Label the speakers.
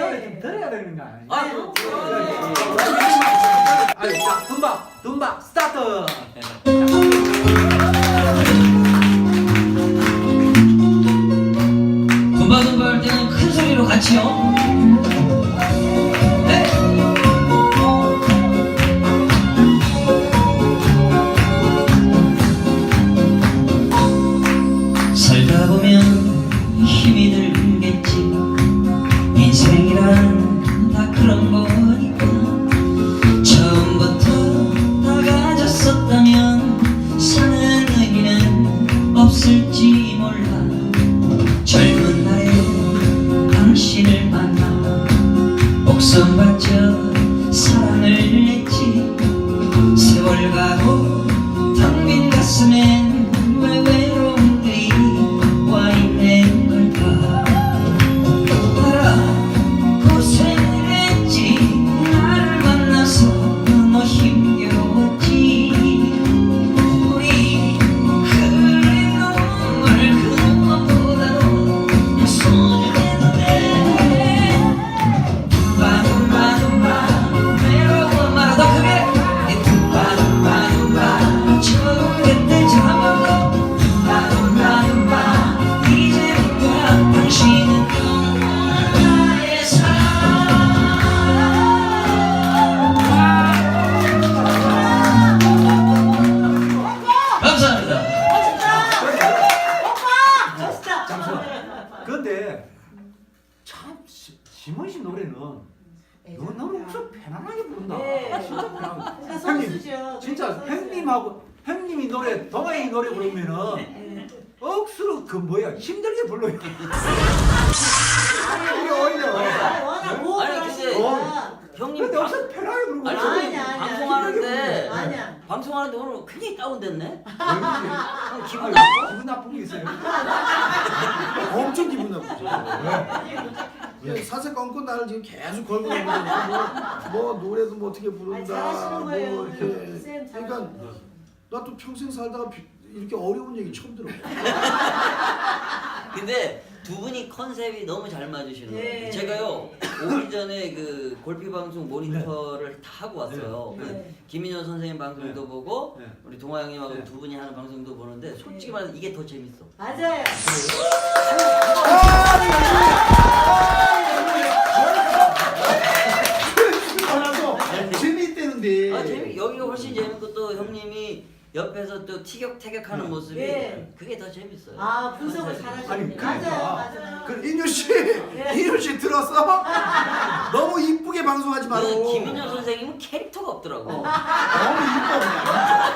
Speaker 1: 노래 좀 들어야 되는 거 아니야?
Speaker 2: 아유,
Speaker 1: 아유, 자, 둠바, 스타트!
Speaker 2: 둠바둠바 할 때는 큰 소리로 같이요. 네. 살다 보면 힘이 들겠지. 인생이란 다 그런 거니까. 처음부터 다 가졌었다면 사는 의미는 없을지 몰라. 젊은 날에 당신을 만나 목숨 바쳐 사랑을 했지. 세월 가고 텅 빈 가슴엔 왜 외로움들이 와 있는 걸까. 알아, 고생을 했지. 나를 만나서 너무 힘겨웠지. 우리 흘린 눈물 그것보다도 소중했는데. 둠바둠바둠바 외로워 말아 더 크게. 둠바둠바둠바 처음 그때 잠하고. 둠바둠바둠바 이제부터 당신은 나의 사랑. 감사합니다.
Speaker 1: 근데 참 심은 씨 노래는 너무 엄청 편안하게 부른다.
Speaker 3: 네.
Speaker 1: 진짜 편안하게.
Speaker 3: 그러니까
Speaker 1: 형님,
Speaker 3: 선수죠.
Speaker 1: 진짜 형님이 노래, 동아이 노래 부르면은 억수로 그 뭐야 힘들게 불러요. 이게 오히려.
Speaker 3: 워낙 모험을
Speaker 2: 아니,
Speaker 3: 하시니까.
Speaker 2: 형님
Speaker 1: 근데 엄청 편하게 부르고.
Speaker 2: 아니,
Speaker 3: 아니야,
Speaker 2: 형님
Speaker 3: 아니야.
Speaker 2: 방송하는데
Speaker 3: 아니야.
Speaker 2: 방송하는데 오늘 굉장히 다운됐네. 형 기분
Speaker 1: 아유,
Speaker 2: 나빠?
Speaker 1: 기분 나쁜 게 있어요.
Speaker 4: 엄청 기분 나쁘죠. 왜? 사세건건 나를 지금 계속 걸고 다니고 뭐 노래도 뭐 어떻게
Speaker 3: 아니,
Speaker 4: 부른다
Speaker 3: 잘하시는
Speaker 4: 뭐
Speaker 3: 거예요.
Speaker 4: 이렇게
Speaker 3: 쌤
Speaker 4: 그러니까 나 또 평생 살다가 이렇게 어려운 얘기 처음 들어.
Speaker 2: 근데 두 분이 컨셉이 너무 잘 맞으시는 거예요.
Speaker 3: 네.
Speaker 2: 제가요 오기 전에 그 골피 방송 모니터를 다 하고 왔어요.
Speaker 3: 네.
Speaker 2: 그 김인현 선생님 방송도
Speaker 1: 네.
Speaker 2: 보고
Speaker 1: 네.
Speaker 2: 우리 동아 형님하고
Speaker 1: 네.
Speaker 2: 두 분이 하는 방송도 보는데 솔직히 말해서 이게 더 재밌어.
Speaker 3: 맞아요.
Speaker 4: 알아서 재미있대는데.
Speaker 2: 아 재미 여기가 훨씬 재밌고 또 형님이 옆에서 또 티격태격하는 모습이
Speaker 3: 네.
Speaker 2: 그게 더 재밌어요.
Speaker 3: 아 분석을
Speaker 2: 컨셉이.
Speaker 3: 잘하시네.
Speaker 1: 아니, 그러니까.
Speaker 3: 맞아요.
Speaker 4: 그 인효 씨 들었어? 너무 이쁘게 방송하지 말고.
Speaker 2: 그 김인현 선생님은 캐릭터가 없더라고.
Speaker 4: 너무 이뻐 그냥.